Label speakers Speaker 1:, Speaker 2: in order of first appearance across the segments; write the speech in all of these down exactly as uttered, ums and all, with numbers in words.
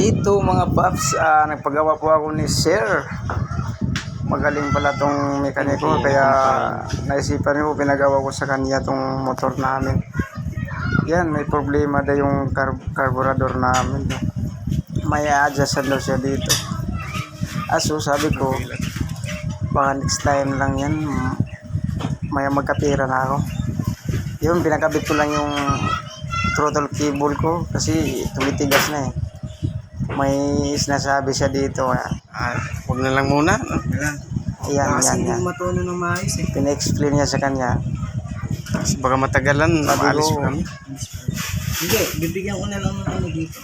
Speaker 1: Ito mga paps, uh, nagpagawa po ako ni Sir. Magaling pala tong mekaniko, kaya naisipan ko, pinagawa ko sa kanya tong motor namin. Yan, may problema daw yung car carburetor namin. May adjustan daw siya dito. Aso sabi ko, baka next time lang yan, may magkapira na ako. Yun, pinakabit ko lang yung throttle cable ko kasi tumitigas na eh. May sinasabi siya dito.
Speaker 2: Ah, huwag na lang muna.
Speaker 1: Ayan,
Speaker 2: Kasi
Speaker 1: yan,
Speaker 2: hindi
Speaker 1: yan.
Speaker 2: matuno ng maayos eh.
Speaker 1: Pina-explain niya sa kanya.
Speaker 2: Kasi baka matagalan,
Speaker 1: Sabi
Speaker 2: maalis
Speaker 1: ko,
Speaker 2: pa kami. Hindi, bibigyan ko na lang ng ano dito.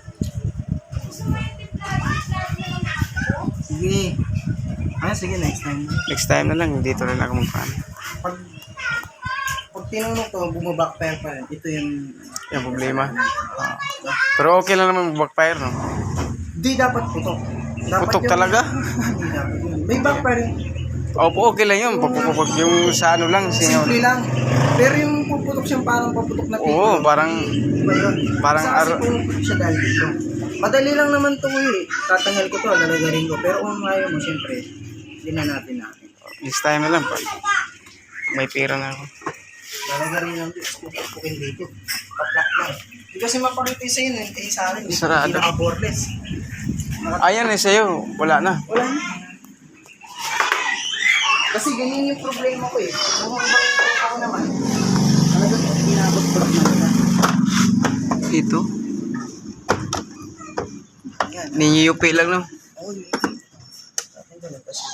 Speaker 2: Sige. Ah, sige, next time.
Speaker 1: Next time na lang, dito na lang ako magpano.
Speaker 2: Pag, pag tinunok to, bumabackfire pa rin. Ito yung...
Speaker 1: Yung problema. Ah. Pero okay lang naman backfire, no?
Speaker 2: Di dapat putok. Dapat
Speaker 1: Putok
Speaker 2: yung-
Speaker 1: talaga?
Speaker 2: Hindi dapat yun. May backfire yun.
Speaker 1: Opo, okay lang yun. Pagpupupag yung sa ano lang. Sinyo.
Speaker 2: Simple lang. Pero yung puputok siyang parang paputok na pito.
Speaker 1: Oo, parang...
Speaker 2: Iba yun.
Speaker 1: Parang
Speaker 2: Isa kasi
Speaker 1: ar-
Speaker 2: pumuputok siya dahil dito. Madali lang naman ito eh. Tatanggal ko to, lalagarin ko. Pero kung ayaw mo, siyempre, hindi na natin natin.
Speaker 1: This time na lang pa. May pera na ako.
Speaker 2: Lalagarin lang dito. Pupukin dito. Paplak lang. Hindi kasi mapakita sa inyo, hindi sa akin. Hindi
Speaker 1: Sarado.
Speaker 2: naka-boreless.
Speaker 1: Ayan eh, sa'yo. Wala na.
Speaker 2: Wala na. Kasi ganyan yung problema ko eh. Kung hanggang ako naman, talagang ginabot-bot na nila.
Speaker 1: Ito.
Speaker 2: Yan.
Speaker 1: Ninyupi lang, no?
Speaker 2: Oo, yun. Akin ko lang kasi.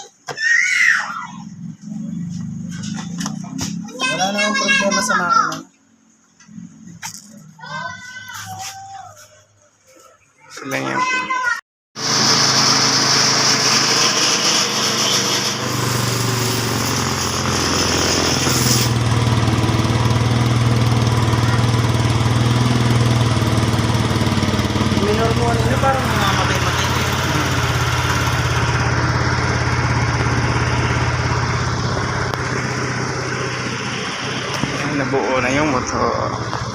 Speaker 2: Wala namang problema sa makina.
Speaker 1: Sila yan.
Speaker 2: Minor mo ano, parang mamamatay-matay.
Speaker 1: Ayan, nabuo na yung motor.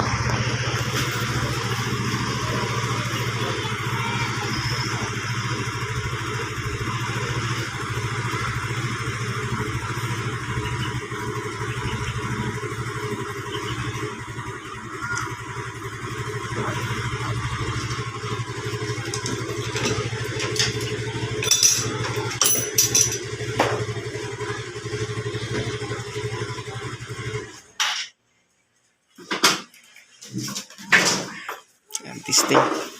Speaker 1: Ayan, testing.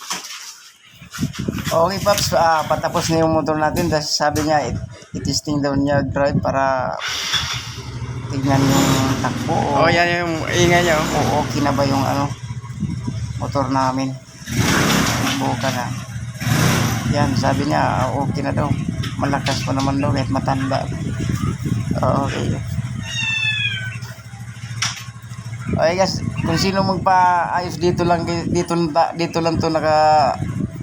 Speaker 1: Okay, Paps, ah, patapos na yung motor natin. Dahil sabi niya, it- i-testing daw niya drive para tignan yung takbo. O,
Speaker 2: Oh, yan yung ingay niya.
Speaker 1: o okay na ba yung ano, motor namin. Buka na. Yan, sabi niya, ah, okay na daw. Malakas pa naman daw, kahit matanda. Oo, okay. Okay guys, kung sino magpa-ayos dito lang, dito, dito lang to naka...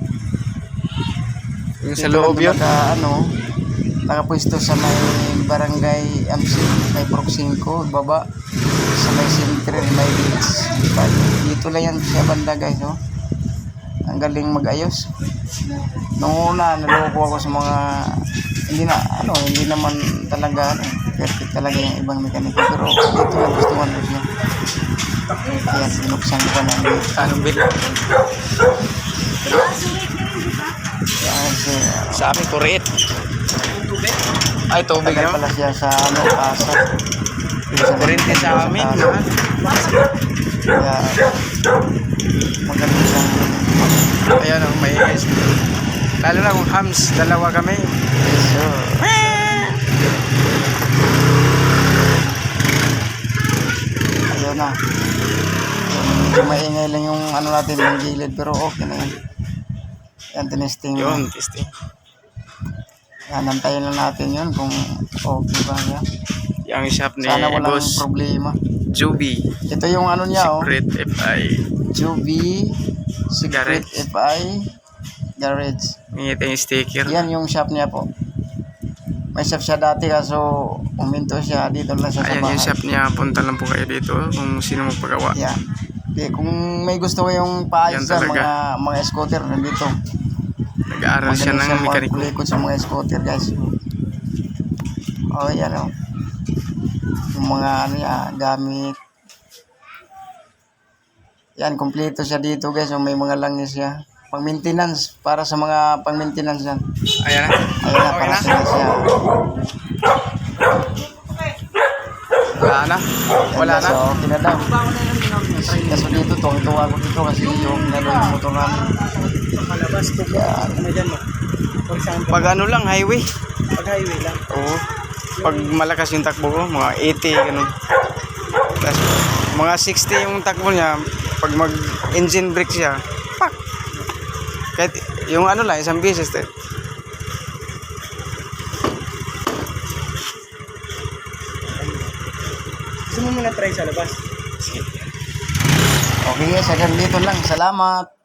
Speaker 2: Yung
Speaker 1: Dito
Speaker 2: sa loob
Speaker 1: lang to
Speaker 2: yun.
Speaker 1: Naka, ano, nakapwesto sa may barangay Amsi, may Proxinco, baba. Sa may Sintren, may beach. Dito lang yan siya banda guys, no? Ang galing mag-ayos. Nung una, naloko ako sa mga... Hindi na, ano, hindi naman talaga, ano, perfect talaga yung ibang mekaniko. Pero dito lang gustuhan ko siya. Kaya sinuksan ko na dito.
Speaker 2: Anong bil?
Speaker 1: Yan, si,
Speaker 2: Sa amin, kurit. Ay, tubig
Speaker 1: tagal
Speaker 2: naman.
Speaker 1: pala siya sa ano, Pasay.
Speaker 2: Kurente sa amin,
Speaker 1: Pasay.
Speaker 2: ha?
Speaker 1: Kaya, magaling siyang
Speaker 2: Ayan, oh, may guys. Lalo na kung hams, dalawa kami.
Speaker 1: so, ayun na. So, maingay lang yung ano natin, yung gilid, pero okay na yun. Yan, tinesting
Speaker 2: Yun,
Speaker 1: yun.
Speaker 2: testing.
Speaker 1: Yan, nantayin lang natin yun kung okay ba yan.
Speaker 2: Yung shop ni
Speaker 1: Sana walang
Speaker 2: Boss
Speaker 1: problema.
Speaker 2: Juby.
Speaker 1: Ito yung ano niya, oh.
Speaker 2: Secret F I.
Speaker 1: Juby Secret
Speaker 2: Garage.
Speaker 1: F I Garage.
Speaker 2: Ngita yung sticker.
Speaker 1: Yan yung shop niya po. May shop siya dati kaso uminto siya dito lang siya sa
Speaker 2: Ayan
Speaker 1: bahay.
Speaker 2: yung shop niya. Punta lang po kayo dito kung sino magpagawa.
Speaker 1: Yan. Okay, kung may gusto kayong paayos
Speaker 2: Yan
Speaker 1: dyan,
Speaker 2: talaga.
Speaker 1: mga mga scooter nandito. Nag-aaral siya ng mekaniko.
Speaker 2: Kulikot sa mga scooter guys. Oh, yan o. Yung mga ano yan, gamit. Yan, kompleto siya dito guys. So, may mga langis siya. Pang maintenance, para sa mga pang maintenance yan.
Speaker 1: Ayan na.
Speaker 2: Ayun na,
Speaker 1: Okay
Speaker 2: para
Speaker 1: na.
Speaker 2: sa siya.
Speaker 1: Wala na. Wala na.
Speaker 2: So, okay na daw. Kaso dito, tuwang-tuwa ko dito kasi yung nalo yung motor namin.
Speaker 3: Palabas ko po. Ano dyan mo? For example,
Speaker 1: Pag ano lang, highway.
Speaker 3: pag highway lang.
Speaker 1: Oo. Pag malakas yung takbo ko, mga eighty, ganun. Tapos, mga sixty yung takbo niya, pag mag-engine brake siya, pak! Kahit yung ano lang, isang beses. Eh.
Speaker 3: Gusto mo muna try sa labas?
Speaker 2: Okay guys, hanggang dito lang. Salamat.